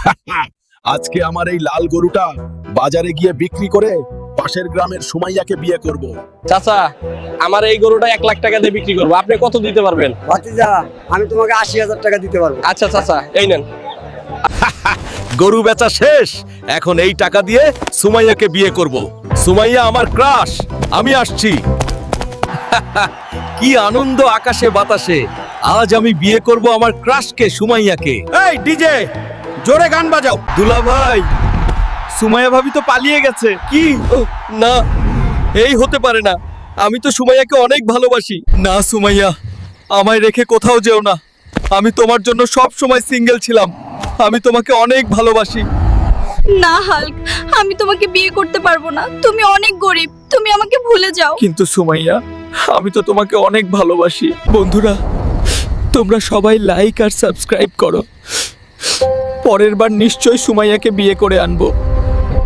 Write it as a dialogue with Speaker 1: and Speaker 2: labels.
Speaker 1: আজকে আমার এই লাল গরুটা বাজারে গিয়ে বিক্রি করে পাশের গ্রামের সুমাইয়াকে বিয়ে করব।
Speaker 2: চাচা, আমার এই গরুটা 1 লাখ টাকা দিয়ে বিক্রি করবো, আপনি কত দিতে পারবেন?
Speaker 3: ভাতিজা, আমি তোমাকে 80,000 টাকা দিতে পারবো।
Speaker 2: আচ্ছা চাচা, এই নেন।
Speaker 1: গরু বেচা শেষ, এখন এই টাকা দিয়ে সুমাইয়াকে বিয়ে করব। সুমাইয়া আমার ক্রাশ, আমি আসছি। কি আনন্দ আকাশে বাতাসে, আজ আমি বিয়ে করব আমার ক্রাশকে, সুমাইয়াকে। এই ডিজে, জোরে গান বাজাও। দুলা ভাই, সুমাইয়া ভাবি তো পালিয়ে গেছে। কি? না, এই হতে পারে না, আমি তো সুমাইয়াকে অনেক ভালোবাসি। না সুমাইয়া, আমায় রেখে কোথাও যেও না, আমি তোমার জন্য সব সময় সিঙ্গেল ছিলাম, আমি তোমাকে অনেক ভালোবাসি।
Speaker 4: না হাল্ক, আমি তোমাকে বিয়ে করতে পারবো না, তুমি অনেক গরিব, তুমি আমাকে ভুলে যাও।
Speaker 1: কিন্তু সুমাইয়া, আমি তো তোমাকে অনেক ভালোবাসি। বন্ধুরা, তোমরা সবাই লাইক আর সাবস্ক্রাইব করো, পরের বার নিশ্চয়ই সুমাইয়াকে বিয়ে করে আনবো।